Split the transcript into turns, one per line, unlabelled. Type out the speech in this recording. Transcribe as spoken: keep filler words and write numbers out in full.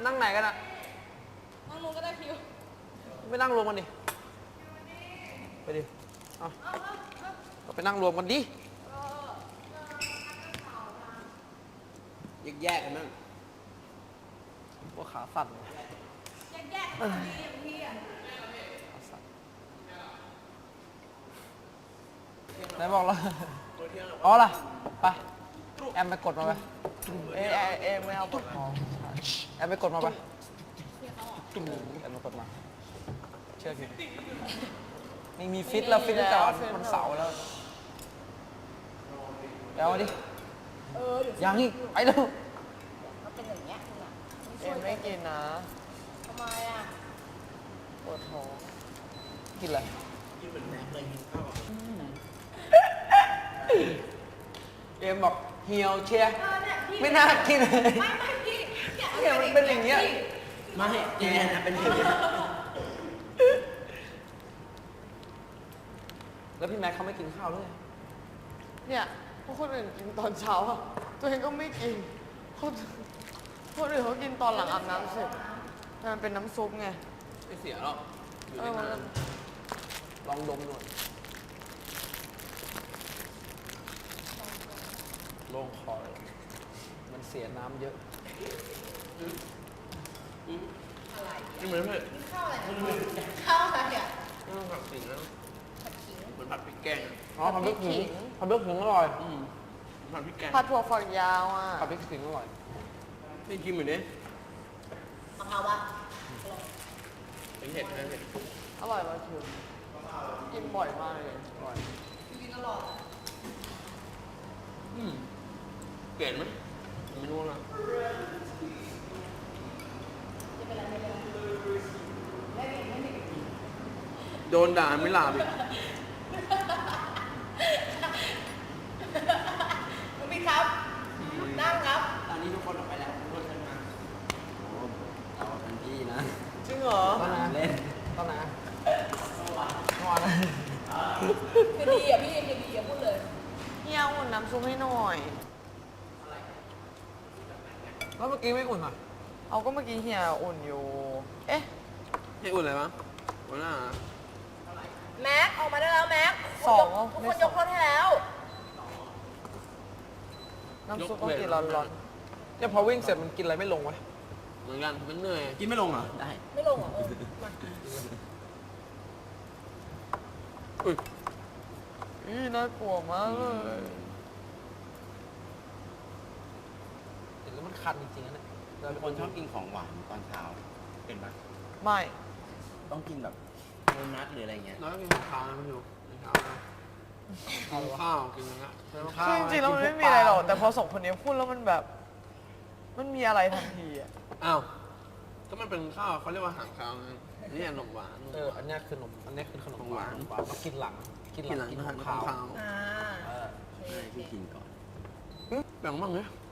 นั่งไหนกันอะ
นั่งลงก็ได้คิว
ไม่นั่งรวมกันดิไปดิเอาก็ไปนั่งรวมกันดิ
แยกๆกันบ้าง
ว่าขาสั่น
แยกๆกันดีอย่างพี่อ่ะ
ไหนบอกแล้วอ๋อล่ะไปแอมไปกดมาไปเอเอเอไม่เอากดแอมไปกดมาไปแอมไปกดมาเชื่อพี่นี่มีฟิตแล้วฟิตตั้งแต่วันเสาร์แล้วเอาดิยังอีกไปเร็ว
มันเป็นอย่างเงี้ยคุณอ่ะ
เอ็มไม่กินนะ
ทำไมอ่ะ
ปวดท้องกินอะไร
กินเหมือนแม็กเลยกินข้าว
เอ็มบอกเหี่ยวเชียไม่น่ากินเลย
ไม่ไม่พี่
เนี่ยมันเป็นอย่างเงี้ย
ไม่แกนะเป็นอย่างนี้
แล้วพี่แม็กเขาไม่กินข้าวด้วย
เนี่ยพวกคนอื่นกินตอนเช้าอะตัวเองก็ไม่กินคนคนอื่นเขากินตอนหลังอาบน้ำเสร็จแต่มันเป็นน้ำซุปไง
ไม่เสียหรอกอยู่
เอ
ใน
อมัน
น้ำลองดมหน่อยโล่งคอเลยมันเสียน้ำเยอะ
นี่เหมือนเพื่อน
ข้าวอะไรข้าวอะไรอ่ะ
ไม่ต้องผัดสิ่งแล้วเหมือนผัดพริกแกง
อ๋อผัดพริกขิงผัดพริกขิงอร่อย
อืมผัดพริกแกง
ผัดถั่วฝักยาวอ่ะ
ผัดพริกขิงอร่อย
ไม่กินเหมือนนี้
มะพร้าวปะ
เป็นเห็ดนะเห็ด
อร่อยมากคือกินบ่อยมากเลยอร่อย
กินตลอด
อืมเกลียดไหมไม่รู้นะโดนด่าไม่หลาบอีก
คุณพี่ครับนั่งครับ
ตอนนี้ทุกคนออกไปแล้วทุกคนขึ้นมาโอ้เราเป็นพี่นะ
จริงเหรอ
ตอนไหน
เล่น
ตอนไหนเมื่อวานนะ
คือดีอ่ะพี่คือดีอ่ะพูดเลย
เฮียอุ่นน้ำซุปให้หน่อย
แล้วเมื่อกี้ไม่อุ่นอ่ะ
เอาก็เมื่อกี้เฮียอุ่นอยู่ เอ๊ะ
ให้อุ่นอะไรวะหัวหน้า
แม็กออกมาได้แล้วแม็ก
สอง
ทุก
ไม่
คน
ส
ย
อง
กโทษให้แล้ว
น้ำซุปต้องกินร้อน
เนี่ยพอวิ่งเสร็จมันกินอะไรไม่ลงวะ
เหมือนกันมันเหนื่อยกินไม่ลงเหรอได้
ไม่ลงเหรอเออมา
อุ้ย
ๆอีน่ากลัวมากเลย
เห็นแล้วมันคันจริงๆนะเนี่ย
เราเป็นคนชอบกินของหวานตอนเช้า เป็นปะ
ไม่
ต้องกินแบบโดนัทหรืออะไรเงี้ย
น้อยกินข้าวนะมันอยู่กินข้าวนะกินข้าวกินอะไรนะ
ข้าว
คือจริงๆแล้วมันไม่มีอะไรหรอก แต่พอสองคนนี้พูดแล้วมันแบบ มันมีอะไรทันทีอ่ะ
อ้าวก็มันเป็นข้าวเขาเรียกว่าอาหารข้าวนะนี่ขนมหวาน
เอออันเนี้ยคือขนมอันเนี้ยคือขนม
ของ
หวาว
หาน น
หวานต้องกินหลังกินห
กินห
ลั
ลั
ง
ง
กิน
อา
ข
หา
อ
รง
ขาว
ข้าว
อ่า
เออ
ให้พี่กินก่อน
แบ่งบ้างเนี่ย